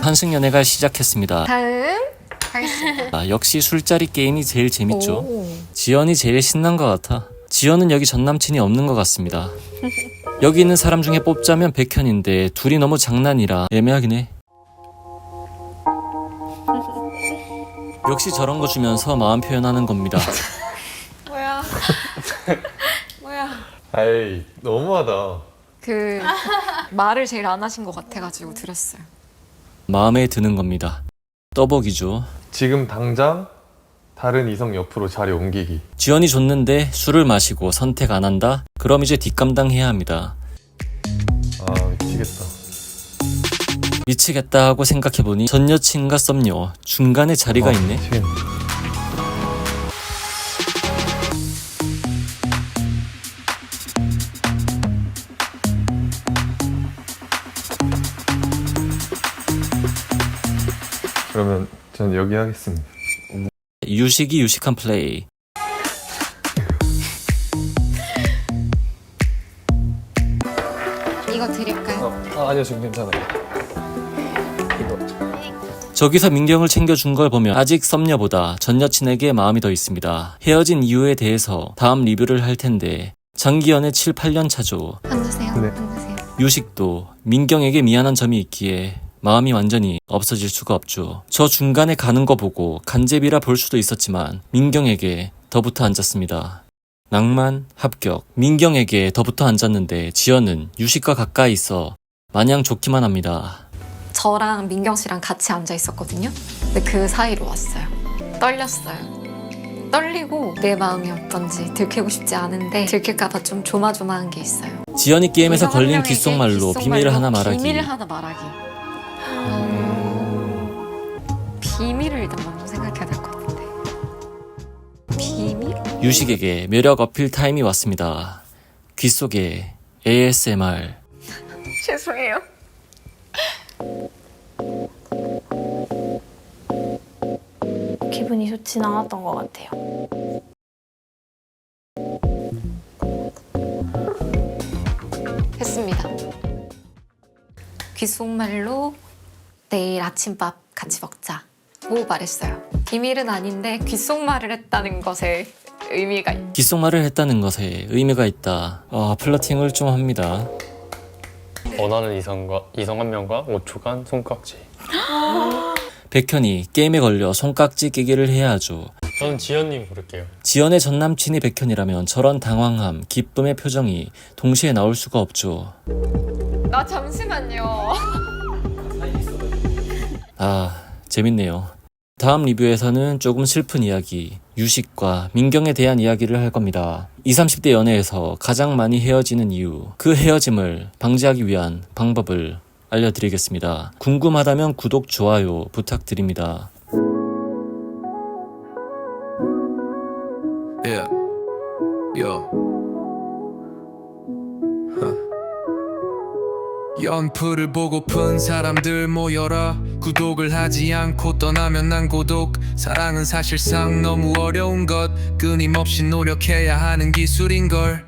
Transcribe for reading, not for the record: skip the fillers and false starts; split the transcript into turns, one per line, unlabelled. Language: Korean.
환승연애가 시작했습니다.
다음 가겠습니다.
역시 술자리 게임이 제일 재밌죠.
오.
지연이 제일 신난 것 같아. 지연은 여기 전남친이 없는 것 같습니다. 여기 있는 사람 중에 뽑자면 백현인데 둘이 너무 장난이라 애매하긴 해. 역시 저런 거 주면서 마음 표현하는 겁니다.
뭐야? 뭐야?
아이 너무하다.
그 말을 제일 안 하신 것 같아가지고 드렸어요.
마음에 드는 겁니다. 떠보기죠.
지금 당장 다른 이성 옆으로 자리 옮기기.
지연이 줬는데 술을 마시고 선택 안 한다? 그럼 이제 뒷감당해야 합니다.
아 미치겠다.
미치겠다 하고 생각해보니 전 여친과 썸녀 중간에 자리가 있네.
미치겠네. 그러면 전 여기 하겠습니다.
유식이 유식한 플레이.
이거 드릴까요?
아니요, 지금 괜찮아요.
저기서 민경을 챙겨준 걸 보면 아직 썸녀보다 전 여친에게 마음이 더 있습니다. 헤어진 이유에 대해서 다음 리뷰를 할 텐데 장기 연애 7, 8년 차죠.
앉으세요.
네.
앉으세요.
유식도 민경에게 미안한 점이 있기에 마음이 완전히 없어질 수가 없죠. 저 중간에 가는 거 보고 간제비라 볼 수도 있었지만 민경에게 더 붙어 앉았습니다. 낭만 합격. 민경에게 더 붙어 앉았는데 지연은 유식과 가까이 있어 마냥 좋기만 합니다.
저랑 민경 씨랑 같이 앉아 있었거든요. 근데 그 사이로 왔어요. 떨렸어요. 떨리고 내 마음이 어떤지 들키고 싶지 않은데 들킬까봐 좀 조마조마한 게 있어요.
지연이 게임에서
이성 한
걸린
명에게
귓속말로 비밀을 하나 말하기.
비밀을 하나 말하기. 비밀을 일단 먼저 생각해야 될 것 같은데. 비밀?
유식에게 매력 어필 타임이 왔습니다. 귓속에 ASMR.
죄송해요.
기분이 좋진 않았던 것 같아요.
했습니다. 귓속말로 내일 아침밥 같이 먹자고 말했어요. 비밀은 아닌데 귓속말을 했다는 것에 의미가 있어요.
귓속말을 했다는 것에 의미가 있다. 플러팅을 좀 합니다.
원하는 이성 한 명과 5초간 손깍지.
백현이 게임에 걸려 손깍지 끼기를 해야 하죠.
저는 지연님 부를게요.
지연의 전남친이 백현이라면 저런 당황함, 기쁨의 표정이 동시에 나올 수가 없죠.
나 잠시만요.
재밌네요. 다음 리뷰에서는 조금 슬픈 이야기, 유식과 민경에 대한 이야기를 할 겁니다. 20, 30대 연애에서 가장 많이 헤어지는 이유, 그 헤어짐을 방지하기 위한 방법을 알려드리겠습니다. 궁금하다면 구독, 좋아요 부탁드립니다.
Yeah. Yo. 연프를 보고픈 사람들 모여라. 구독을 하지 않고 떠나면 난 고독. 사랑은 사실상 너무 어려운 것. 끊임없이 노력해야 하는 기술인걸.